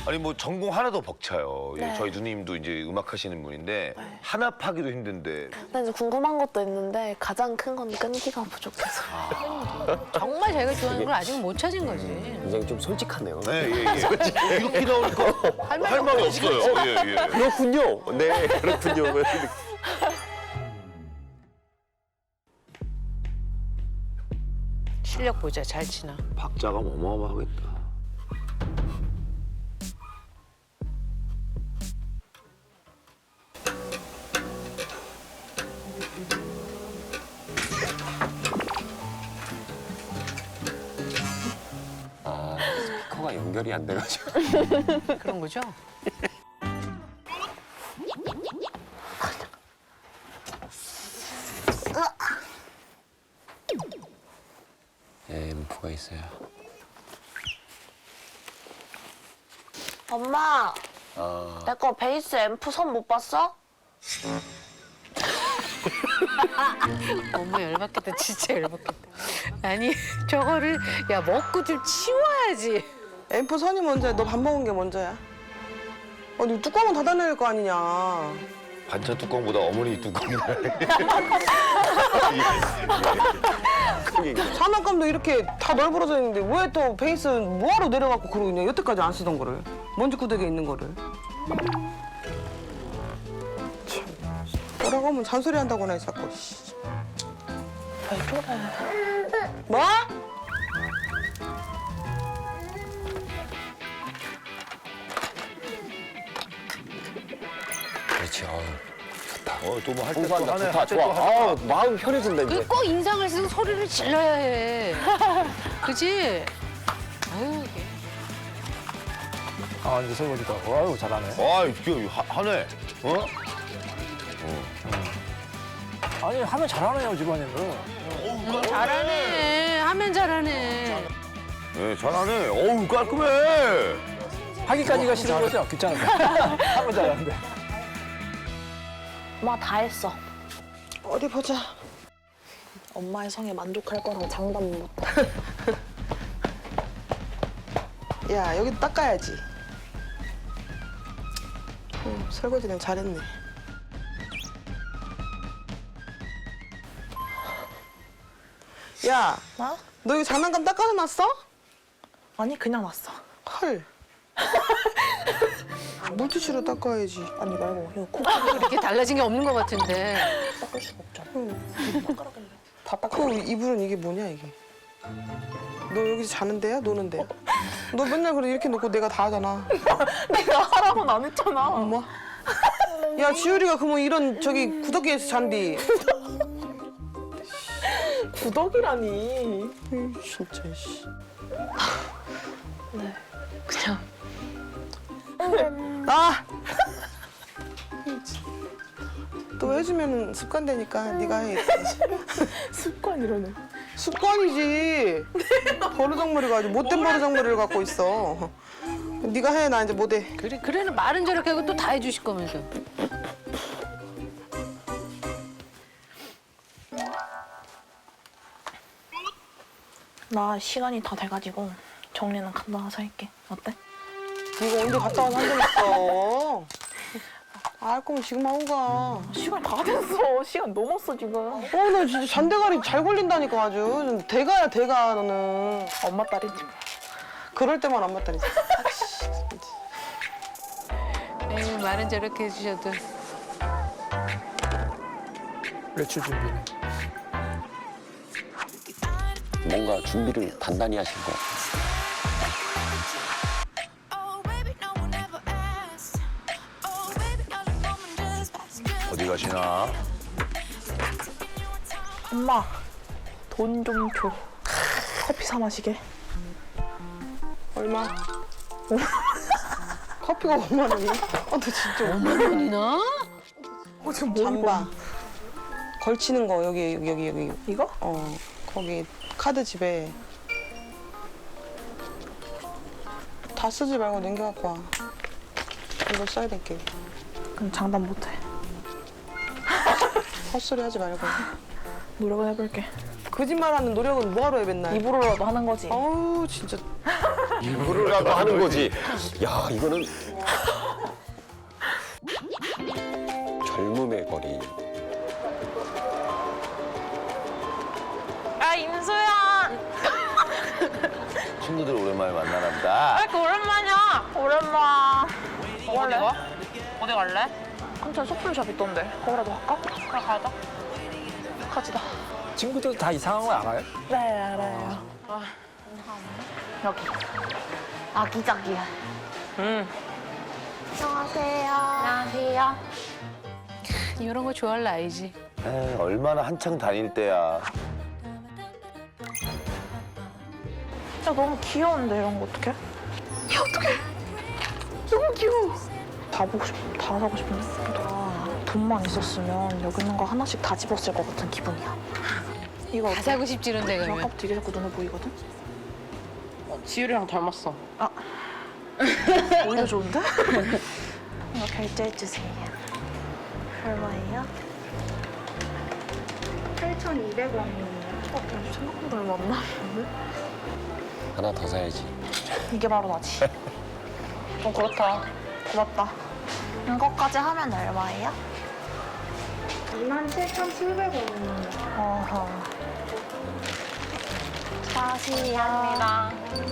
아니 뭐 전공 하나도 벅차요. 예, 네. 저희 누님도 이제 음악 하시는 분인데 네. 하나 파기도 힘든데. 근데 이제 궁금한 것도 있는데 가장 큰 건 끈기가 부족해서. 정말 자기가 좋아하는 걸 아직 못 찾은 거지. 굉장히 좀 솔직하네요. 네, 예, 예. 이렇게 나오니까 할 말이 없어요. 예, 예. 그렇군요. 네, 그렇군요. 실력 보자, 잘 치나. 박자가 어마어마하겠다. 아, 스피커가 연결이 안 돼가지고. 그런 거죠? 앰프가 있어야. 엄마, 내 거 베이스 앰프 선 못 봤어? 너무 열받겠다, 진짜 열받겠다. 아니, 저거를, 야, 먹고 좀 치워야지. 앰프 선이 먼저야. 너 밥 먹은 게 먼저야. 아니 뚜껑은 닫아낼 거 아니냐. 반찬 뚜껑보다 어머니 뚜껑이 장난감도 이렇게 다 널브러져 있는데 왜 또 베이스는 뭐하러 내려갖고 그러고 있냐. 여태까지 안 쓰던 거를. 먼지 구석에 있는 거를. 참. 뭐라고 하면 잔소리 한다고나 해 자꾸. 왜 저래? 뭐? 그렇지. 좋다. 또 뭐 할 때 또 공부한다. 하네. 좋다. 할 때 또 좋아. 하네. 아, 마음 편해진다 이제. 꼭 인상을 쓰고 소리를 질러야 해. 그지? 아유, 이게. 아, 이제 설거지도 하고. 아유, 잘하네. 아, 이게 하네. 어? 아니, 하면 잘하네요, 집안일을. 잘하네. 하면 잘하네. 네, 잘하네. 어우, 깔끔해. 하기까지가 싫은 거죠? 귀찮은데. 하면 잘하는데. 엄마 다 했어. 어디 보자. 엄마의 성에 만족할 거랑 장담 못. 야 여기 닦아야지. 설거지는 잘했네. 야, 나? 너 이거 장난감 닦아서 놨어? 아니 그냥 놨어. 헐. 물티슈로 닦아야지. 아니 말고 이거 코 이렇게 달라진 게 없는 것 같은데. 닦을 수가 없잖아. 다 닦아. 그 이불은 이게 뭐냐 이게? 너 여기서 자는 데야? 노는 데야? 너 맨날 그래 이렇게 놓고 내가 다 하잖아. 내가 하라고는 안 했잖아. 엄마. 야 지율이가 그러면 이런 저기 구더기에서 잔디. 구덕이라니. 진짜 씨. 네, 그냥. 아! 또 해주면 습관되니까 네가 해. 습관이라네. 습관이지. 버르장머리가 아주 못된 버르장머리를 갖고 있어. 네가 해, 나 이제 못해. 그래, 말은 저렇게 하고 또 다 해주실 거면서. 나 시간이 다 돼가지고 정리는 갔다 와서 할게. 어때? 네가 언제 갔다 와서 한 적 있어. 알 거면 지금 하고 가. 시간 다 됐어. 시간 넘었어 지금. 나 진짜 잔대가리 잘 걸린다니까 아주. 대가야 대가 너는. 엄마 딸이지 뭐. 그럴 때만 안 맞다니까. 에이, 말은 저렇게 해주셔도. 외출 준비네. 뭔가 준비를 단단히 하신 것 같아요. 어디 가시나? 엄마 돈 좀 줘. 커피 사 마시게. 얼마? 커피가 5만 원이야? 너 진짜 5만 원이나? 지금 뭐 잠바. 걸치는 거 여기. 이거? 거기 카드 집에 다 쓰지 말고 남겨갖고 와. 이거 써야 될게. 그럼 장담 못해. 헛소리 하지 말고. 노력은 해볼게. 거짓말하는 노력은 뭐하러 해 맨날. 입으로라도 하는 거지. 어우 진짜. 일부러라도 하는 거지. 야, 이거는 젊음의 거리. 아 임수야. 친구들 오랜만에 만나나 보다. 왜 이렇게 오랜만이야? 오랜만. 어디 가? 어디 갈래? 근처에 소품샵 있던데. 거기라도 갈까? 그래 가자. 가지다. 친구들 다 이상한 거 알아요? 네 알아요. 여기. 아기자기야. 안녕하세요. 안녕하세요. 이런 거 좋아할 나이지. 에이, 얼마나 한창 다닐 때야. 진짜 너무 귀여운데 이런 거 어떡해? 야 어떡해? 너무 귀여워. 다 보고 싶, 다 사고 싶은데. 돈만 있었으면 여기 있는 거 하나씩 다 집었을 것 같은 기분이야. 이거 다 어때? 사고 싶지 이런데 가면. 아까부터 되게 자꾸 눈에 보이거든? 지율이랑 닮았어. 아. 오히려 좋은데? 이거 결제해주세요. 얼마예요? 8,200원이에요. 생각보다 얼마 안 나는데? 하나 더 사야지. 이게 바로 나지. 그렇다. 고맙다. 이거까지 하면 얼마예요? 27,700원이에요. 어허. 감사합니다.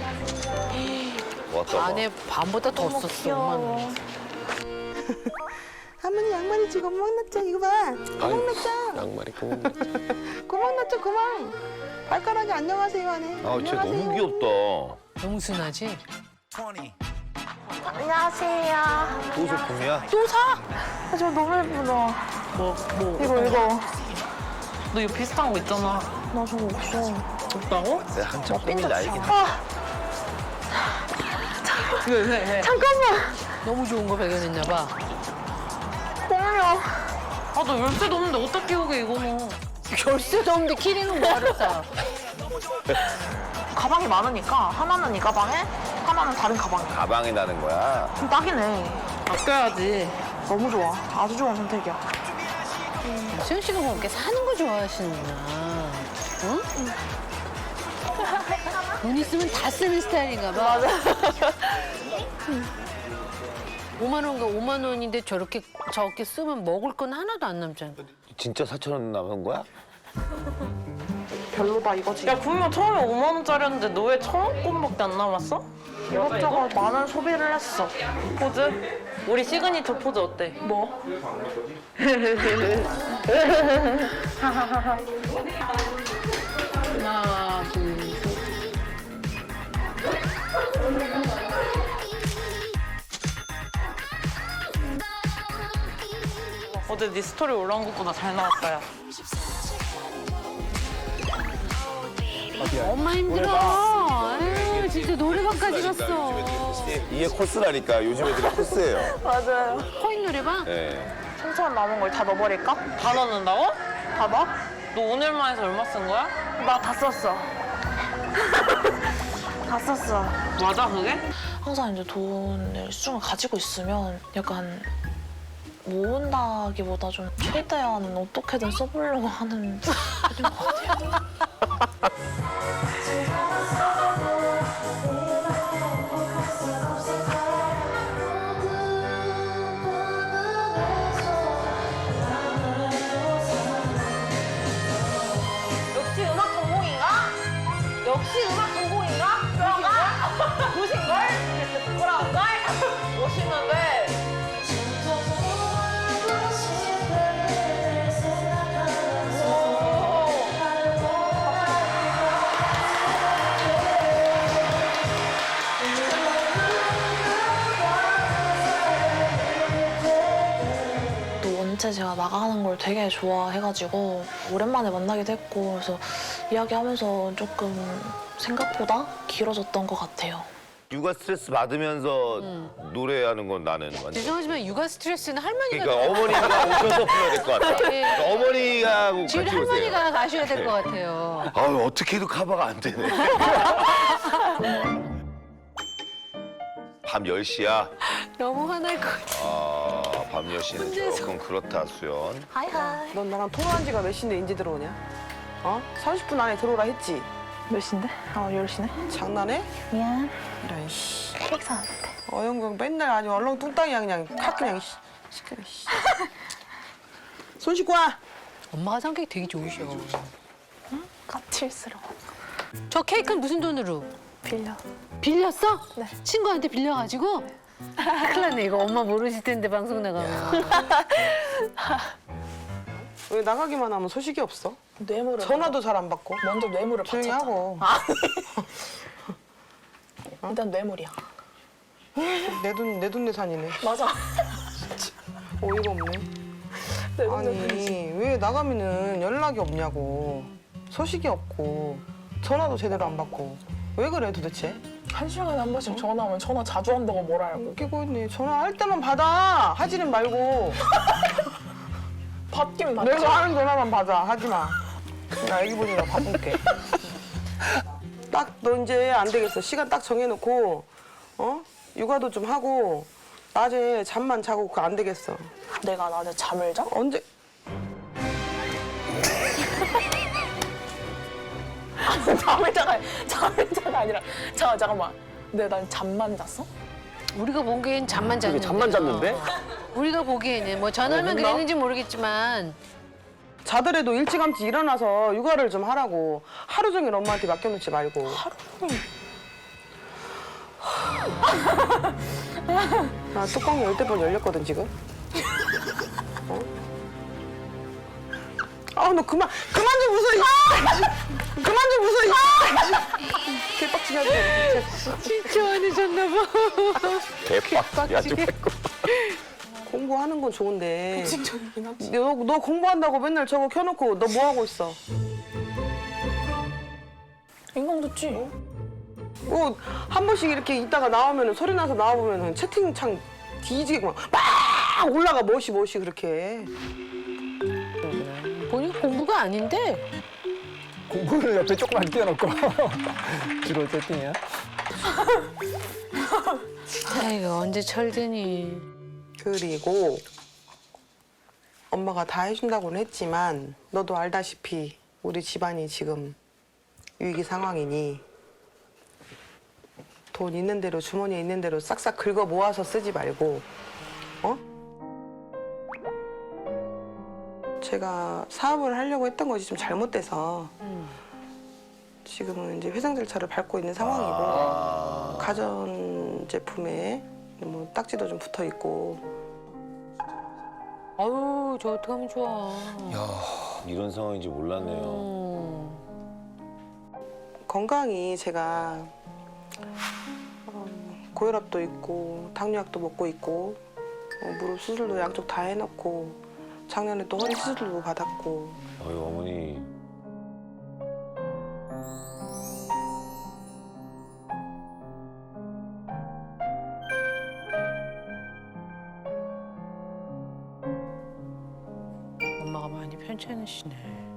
왔다 안에 반보다 더 너무 썼어. 귀여워. 할머니 양말이 지금 구멍 났죠? 이거 봐. 구멍 났죠? 양말이 구멍 났지. 구멍 났죠? 구멍. 발가락이 안녕하세요 하네. 아, 쟤 너무 귀엽다. 너무 순하지? 안녕하세요. 또 소품이야? 또 사? 아, 저 너무 예쁘다. 뭐? 이거. 너 이거 비슷한 거 있잖아. 나 저거 없어. 없다고? 내가 한참 꾸민 나이긴 해. 아, 왜? 잠깐만. 너무 좋은 거 발견했나 봐. 어머려. 아, 너 열쇠도 없는데 어떻게 오게, 이거는. 열쇠도 없는데 키링은 뭐하러 싸? 가방이 많으니까 하나는 이 가방에, 하나는 다른 가방에. 가방에 나는 거야. 그럼 딱이네. 아껴야지. 너무 좋아. 아주 좋은 선택이야. 수현 씨가 뭐 이렇게 사는 거 좋아하시는구나. 응? 돈 있으면 다 쓰는 스타일인가 봐. 맞아. 5만 원과 5만 원인데 저렇게 쓰면 먹을 건 하나도 안 남잖아. 진짜 4,000원 남은 거야? 별로다 이거지. 야, 분명 처음에 5만 원짜리였는데 너 왜 1,000원권밖에 안 남았어? 이것저것 많은 소비를 했어. 포즈? 우리 시그니처 포즈 어때? 뭐? 하나, 둘, 셋. 어제 네 스토리 올라온 것보다 잘 나왔어요. 엄마 힘들어. 에휴, 진짜 노래방까지 갔어. 이게 코스라니까. 요즘 애들이 코스예요. 맞아요. 코인 노래방? 네. 3,000원 남은 걸 다 넣어버릴까? 다 넣는다고? 다 넣어? 너 오늘만 해서 얼마 쓴 거야? 나 다 썼어. 다 썼어. 맞아, 그게? 항상 이제 돈을 수중을 가지고 있으면 약간 모은다기보다 좀 최대한 어떻게든 써보려고 하는 편인 것 같아요. 역시 음악 전공인가? 역시 음악 전공인가? 그런가? 보신걸? 부끄러운걸? 멋있는데? 또 원체 제가 나가는 걸 되게 좋아해가지고 오랜만에 만나기도 했고 그래서 이야기하면서 조금 생각보다 길어졌던 것 같아요. 육아 스트레스 받으면서 노래하는 건 나는 완전. 죄송하지만 육아 스트레스는 할머니가. 그러니까 어머니가 오셔서 풀어야 될 것 같아. 네. 그러니까 어머니가 같이 지금 오세요. 할머니가 가셔야 될 것 같아요. 아유, 어떻게 해도 커버가 안 되네. 밤 10시야? 너무 화날 것 같아. 밤 10시는 조금 그렇다, 수연. 하이하이. 넌 나랑 통화한 지가 몇 시인데 인제 들어오냐? 30분 안에 들어오라 했지? 몇 시인데? 10시네. 장난해? 미안. 이런 씨. 케이크 사왔는데. 어영경 맨날 아주 얼렁뚱땅이야 그냥 칵 그냥 시끄러. 손 씻고 와. 엄마가 성격이 되게 좋으셔. 까칠스러워. 저 케이크는 무슨 돈으로? 빌려. 빌렸어? 네. 친구한테 빌려가지고? 큰일 났네, 이거 엄마 모르실 텐데, 방송 나가면. 왜 나가기만 하면 소식이 없어? 뇌물을. 전화도 잘 안 받고. 먼저 뇌물을 조용히 바쳤잖아. 하고. 일단 뇌물이야. 내 돈 내산이네. 맞아. 어이가 없네. 아니 왜 나가면은 연락이 없냐고. 소식이 없고 전화도 제대로 안 받고. 왜 그래 도대체? 1시간에 한 번씩 전화하면 전화 자주 한다고 뭘 알고. 웃기고 있네. 전화할 때만 받아. 하지는 말고. 받긴 받지. 내가 하는 전화만 받아. 하지 마. 나 애기 보느라 바쁜게. 딱 너 이제 안 되겠어. 시간 딱 정해놓고 육아도 좀 하고 낮에 잠만 자고 그거 안 되겠어. 내가 낮에 잠을 자? 언제? 잠을 자가 아니라. 잠깐만. 난 잠만 잤어? 우리가 보기엔 잠만 잤는데. 잠만 잤는데? 우리가 보기에는 뭐 전화만 했나? 그랬는지 모르겠지만 자더라도 일찌감치 일어나서 육아를 좀 하라고. 하루 종일 엄마한테 맡겨놓지 말고. 나 뚜껑이 10번 열렸거든 지금. 너 그만 좀 웃어. 그만 좀 웃어. 개빡치게 하지 마. 진짜 화내셨나 봐. 대박. 야, 좀 공부하는 건 좋은데. 너 공부한다고 맨날 저거 켜놓고 너 뭐 하고 있어? 인강 듣지? 한 번씩 이렇게 있다가 나오면 소리 나서 나와보면 채팅창 뒤지게 막 올라가 멋이 그렇게. 보니까 공부가 아닌데. 공부를 옆에 조금만 띄워놓고 주로 채팅이야. 아이고, 언제 철드니. 그리고 엄마가 다 해준다고는 했지만 너도 알다시피 우리 집안이 지금 위기 상황이니 돈 있는 대로 주머니에 있는 대로 싹싹 긁어 모아서 쓰지 말고 제가 사업을 하려고 했던 것이 좀 잘못돼서 지금은 이제 회생 절차를 밟고 있는 상황이고 가전 제품에 뭐 딱지도 좀 붙어 있고. 아유, 저 어떡하면 좋아. 이런 상황인지 몰랐네요. 건강이 제가 고혈압도 있고 당뇨약도 먹고 있고 무릎 수술도 양쪽 다 해놓고 작년에 또 허리 수술도 받았고. 어이, 어머니. 엄마가 많이 편찮으시네.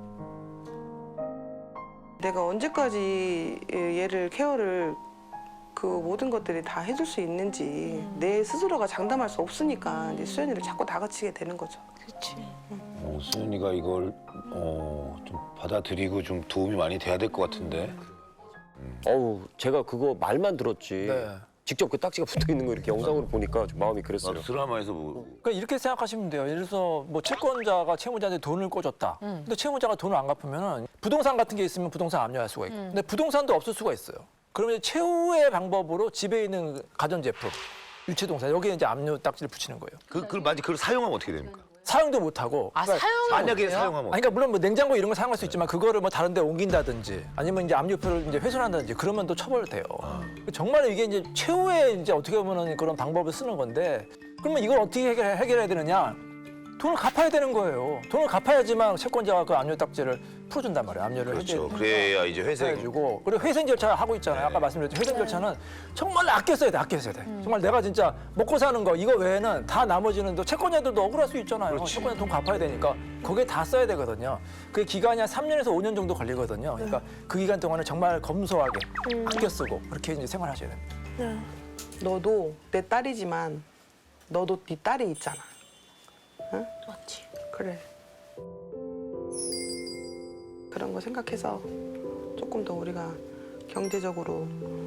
내가 언제까지 얘를 케어를 그 모든 것들이 다 해줄 수 있는지 내 스스로가 장담할 수 없으니까 이제 수연이를 자꾸 다그치게 되는 거죠. 그렇지. 수연이가 이걸 좀 받아들이고 좀 도움이 많이 돼야 될 것 같은데. 어우, 제가 그거 말만 들었지. 네. 직접 그 딱지가 붙어 있는 거 이렇게 영상으로 보니까 좀 마음이 그랬어요. 나도 드라마에서 뭐 그러니까 이렇게 생각하시면 돼요. 예를 들어서 뭐 채권자가 채무자한테 돈을 꿔줬다. 근데 채무자가 돈을 안 갚으면은 부동산 같은 게 있으면 부동산 압류할 수가 있고. 근데 부동산도 없을 수가 있어요. 그러면 이제 최후의 방법으로 집에 있는 가전제품, 유치동산 여기에 이제 압류 딱지를 붙이는 거예요. 만약 그걸 사용하면 어떻게 됩니까? 사용도 못 하고. 아, 사용을 만약에 못해요? 사용하면 아니, 그러니까 물론 뭐 냉장고 이런 거 사용할 수 있지만 그거를 뭐 다른 데 옮긴다든지 아니면 이제 압류표를 이제 훼손한다든지 그러면 또 처벌돼요. 정말 이게 이제 최후의 이제 어떻게 보면 그런 방법을 쓰는 건데 그러면 이걸 어떻게 해결해야 되느냐? 돈을 갚아야 되는 거예요. 돈을 갚아야지만 채권자가 그 압류 딱지를 풀어준단 말이에요. 압류를 그렇죠. 해줘야 그래야 이제 회생. 해주고 그리고 회생 절차 하고 있잖아요. 아까 말씀드렸죠. 회생 절차는 정말 아껴 써야 돼. 아껴 써야 돼. 정말 내가 진짜 먹고 사는 거 이거 외에는 다 나머지는 또 채권자들도 억울할 수 있잖아요. 채권자 돈 갚아야 되니까 거기에 다 써야 되거든요. 그 기간이 한 3년에서 5년 정도 걸리거든요. 그러니까 그 기간 동안은 정말 검소하게 아껴 쓰고 그렇게 이제 생활하셔야 됩니다. 너도 내 딸이지만 너도 네 딸이 있잖아. 응? 맞지. 그래. 그런 거 생각해서 조금 더 우리가 경제적으로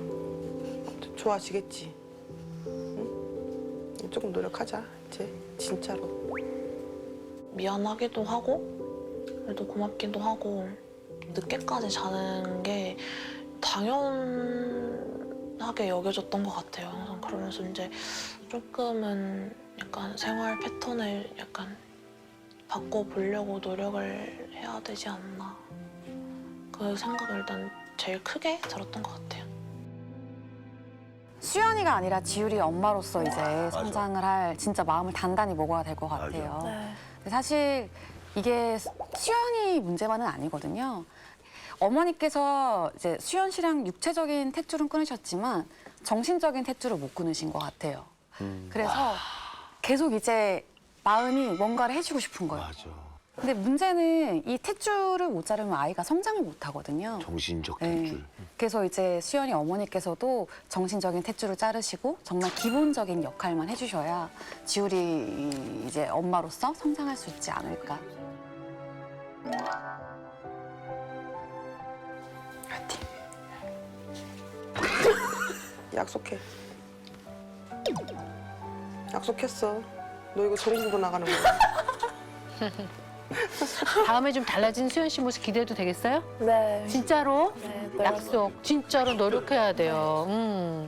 좋아지겠지. 응? 조금 노력하자 이제 진짜로. 미안하기도 하고 그래도 고맙기도 하고 늦게까지 자는 게 당연하게 여겨졌던 것 같아요. 항상 그러면서 이제 조금은 약간 생활 패턴을 약간 바꿔보려고 노력을 해야 되지 않나. 그 생각을 일단 제일 크게 들었던 것 같아요. 수연이가 아니라 지율이 엄마로서 이제 성장을 할 진짜 마음을 단단히 먹어야 될 것 같아요. 근데 사실 이게 수연이 문제만은 아니거든요. 어머니께서 이제 수연 씨랑 육체적인 탯줄은 끊으셨지만 정신적인 탯줄을 못 끊으신 것 같아요. 그래서 계속 이제 마음이 뭔가를 해주고 싶은 거예요. 맞아. 근데 문제는 이 탯줄을 못 자르면 아이가 성장을 못 하거든요. 정신적 네. 탯줄. 그래서 이제 수연이 어머니께서도 정신적인 탯줄을 자르시고 정말 기본적인 역할만 해주셔야 지율이 이제 엄마로서 성장할 수 있지 않을까. 파이팅. 약속해. 약속했어. 너 이거 전국으로 나가는 거야. 다음에 좀 달라진 수연 씨 모습 기대해도 되겠어요? 네. 진짜로? 네, 약속. 진짜로 노력해야 돼요.